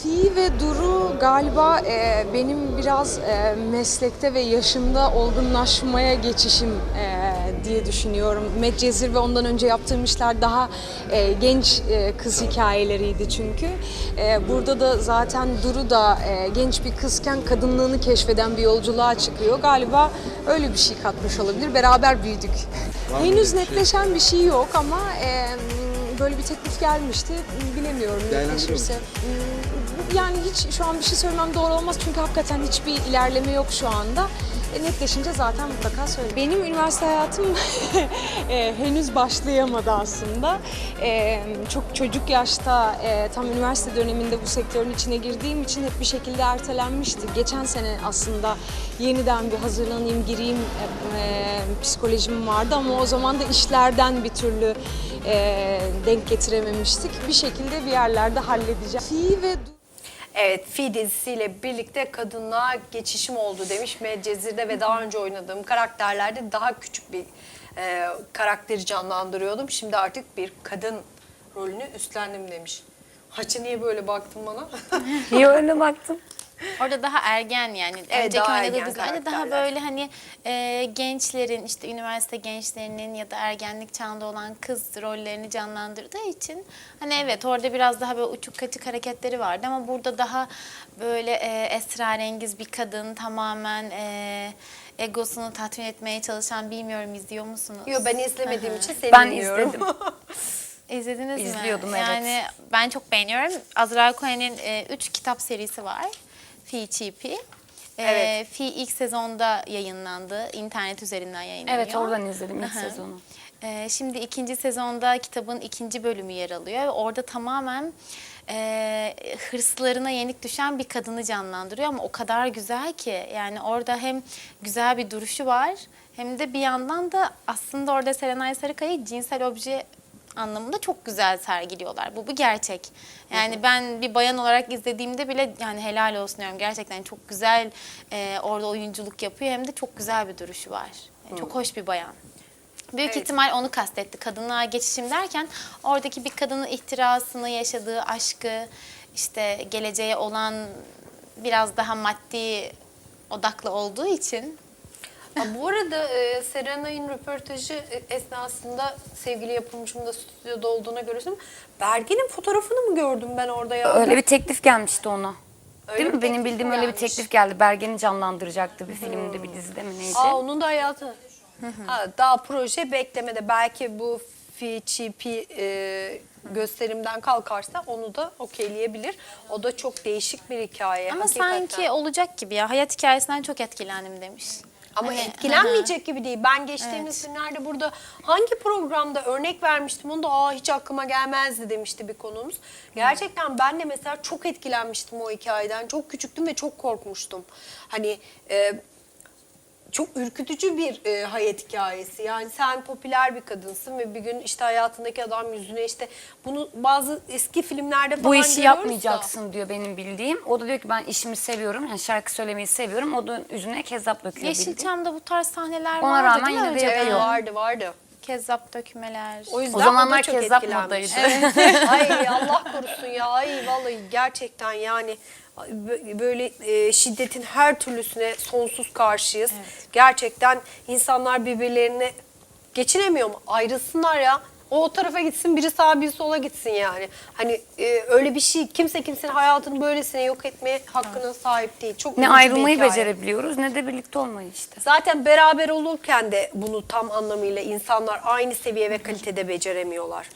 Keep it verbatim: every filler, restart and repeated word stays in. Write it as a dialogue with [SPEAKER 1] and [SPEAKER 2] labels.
[SPEAKER 1] Fi ve Duru galiba e, benim biraz e, meslekte ve yaşımda olgunlaşmaya geçişim e, diye düşünüyorum. Medcezir ve ondan önce yaptığım işler daha e, genç e, kız hikayeleriydi çünkü. E, burada da zaten Duru da e, genç bir kızken kadınlığını keşfeden bir yolculuğa çıkıyor. Galiba öyle bir şey katmış olabilir. Beraber büyüdük. Henüz netleşen bir şey yok ama e, böyle bir teklif gelmişti. Bilemiyorum netleşirse. Yani hiç şu an bir şey söylemem doğru olmaz çünkü hakikaten hiçbir ilerleme yok şu anda. E, netleşince zaten mutlaka söylerim. Benim üniversite hayatım e, henüz başlayamadı aslında. E, çok çocuk yaşta e, tam üniversite döneminde bu sektörün içine girdiğim için hep bir şekilde ertelenmişti. Geçen sene aslında yeniden bir hazırlanayım, gireyim e, e, psikolojim vardı ama o zaman da işlerden bir türlü e, denk getirememiştik. Bir şekilde bir yerlerde halledeceğim. Fi ve
[SPEAKER 2] Evet, Fi dizisiyle birlikte kadınlığa geçişim oldu demiş Medcezir'de ve daha önce oynadığım karakterlerde daha küçük bir e, karakteri canlandırıyordum. Şimdi artık bir kadın rolünü üstlendim demiş. Haçı niye böyle baktın bana?
[SPEAKER 3] Niye öyle baktın?
[SPEAKER 4] Orada daha ergen yani.
[SPEAKER 2] Evet,
[SPEAKER 4] Önceki
[SPEAKER 2] daha
[SPEAKER 4] oynadığı
[SPEAKER 2] ergen
[SPEAKER 4] dizilerde daha
[SPEAKER 2] karakterler.
[SPEAKER 4] böyle hani e, gençlerin işte üniversite gençlerinin ya da ergenlik çağında olan kız rollerini canlandırdığı için hani evet orada biraz daha böyle uçuk kaçık hareketleri vardı ama burada daha böyle e, esrarengiz bir kadın tamamen e, egosunu tatmin etmeye çalışan, bilmiyorum izliyor musunuz?
[SPEAKER 2] Yok, ben izlemediğim
[SPEAKER 4] Hı hı.
[SPEAKER 2] için seni
[SPEAKER 3] Ben
[SPEAKER 2] dinliyorum.
[SPEAKER 3] izledim.
[SPEAKER 4] İzlediniz mi?
[SPEAKER 3] İzliyordum, evet.
[SPEAKER 4] Yani ben çok beğeniyorum. Azra Cohen'in e, üç kitap serisi var. Fi Çipi. E,
[SPEAKER 2] Evet.
[SPEAKER 4] Fi ilk sezonda yayınlandı. İnternet üzerinden yayınlanıyor.
[SPEAKER 3] Evet, oradan izledim ilk
[SPEAKER 4] Hı hı.
[SPEAKER 3] sezonu.
[SPEAKER 4] E, şimdi ikinci sezonda kitabın ikinci bölümü yer alıyor. Orada tamamen e, hırslarına yenik düşen bir kadını canlandırıyor ama o kadar güzel ki. Yani orada hem güzel bir duruşu var hem de bir yandan da aslında orada Serenay Sarıkaya'yı cinsel obje anlamında çok güzel sergiliyorlar. Bu bir gerçek. Yani hı hı. Ben bir bayan olarak izlediğimde bile yani helal olsun diyorum. Gerçekten çok güzel e, orada oyunculuk yapıyor. Hem de çok güzel bir duruşu var. Yani çok hoş bir bayan. Büyük
[SPEAKER 2] Evet.
[SPEAKER 4] ihtimal onu kastetti. Kadınlığa geçişim derken oradaki bir kadının ihtirasını, yaşadığı aşkı, işte geleceğe olan biraz daha maddi odaklı olduğu için.
[SPEAKER 2] Ha, bu arada e, Serenay'ın röportajı e, esnasında sevgili yapımcım da stüdyoda olduğuna göre söyleyeyim. Bergen'in fotoğrafını mı gördüm ben orada ya?
[SPEAKER 3] Öyle bir teklif gelmişti ona.
[SPEAKER 2] Öyle
[SPEAKER 3] Değil
[SPEAKER 2] bir
[SPEAKER 3] mi? Benim
[SPEAKER 2] teklif
[SPEAKER 3] bildiğim
[SPEAKER 2] mi
[SPEAKER 3] öyle bir
[SPEAKER 2] gelmiş?
[SPEAKER 3] teklif geldi. Bergen'i canlandıracaktı bir filmde, bir dizide mi neydi?
[SPEAKER 2] Aa, onun da hayatı. Ha, daha proje beklemede. Belki bu Fi Çipi e, gösterimden kalkarsa onu da okeyleyebilir. O da çok değişik bir hikaye.
[SPEAKER 4] Ama
[SPEAKER 2] hakikaten.
[SPEAKER 4] sanki olacak gibi ya. Hayat hikayesinden çok etkilendim demiş.
[SPEAKER 2] Ama
[SPEAKER 4] Hani,
[SPEAKER 2] etkilenmeyecek gibi değil. Ben geçtiğimiz
[SPEAKER 4] Evet.
[SPEAKER 2] günlerde burada hangi programda örnek vermiştim onu da aa hiç aklıma gelmezdi demişti bir konuğumuz. Gerçekten ben de mesela çok etkilenmiştim o hikayeden. Çok küçüktüm ve çok korkmuştum. Hani e, çok ürkütücü bir e, hayat hikayesi. Yani sen popüler bir kadınsın ve bir gün işte hayatındaki adam yüzüne işte bunu bazı eski filmlerde falan
[SPEAKER 3] Bu işi
[SPEAKER 2] görüyoruz da.
[SPEAKER 3] yapmayacaksın diyor benim bildiğim. O da diyor ki ben işimi seviyorum. Yani şarkı söylemeyi seviyorum. O da yüzüne kezzap döküyor bildiğim.
[SPEAKER 4] Yeşilçam'da bu tarz sahneler
[SPEAKER 3] Ona
[SPEAKER 4] vardı
[SPEAKER 3] rağmen
[SPEAKER 4] değil mi
[SPEAKER 3] yine de
[SPEAKER 4] önceden?
[SPEAKER 2] Evet,
[SPEAKER 3] yapıyor.
[SPEAKER 2] vardı vardı.
[SPEAKER 4] Kezzap dökmeler.
[SPEAKER 2] O yüzden
[SPEAKER 3] O zamanlar
[SPEAKER 2] o da çok
[SPEAKER 3] kezzap
[SPEAKER 2] etkilenmiş.
[SPEAKER 3] modaydı.
[SPEAKER 2] Evet. Ay Allah korusun ya. Ay vallahi gerçekten yani böyle e, şiddetin her türlüsüne sonsuz karşıyız.
[SPEAKER 4] Evet.
[SPEAKER 2] Gerçekten insanlar birbirlerine geçinemiyor mu? Ayrılsınlar ya. O, o tarafa gitsin, biri sağa biri sola gitsin yani. Hani e, öyle bir şey, kimse kimsenin hayatını böylesine yok etmeye hakkına sahip değil. Çok
[SPEAKER 3] Ne
[SPEAKER 2] üzücü bir
[SPEAKER 3] ayrılmayı
[SPEAKER 2] hikaye.
[SPEAKER 3] becerebiliyoruz ne de birlikte olmayı işte.
[SPEAKER 2] Zaten beraber olurken de bunu tam anlamıyla insanlar aynı seviye ve kalitede beceremiyorlar.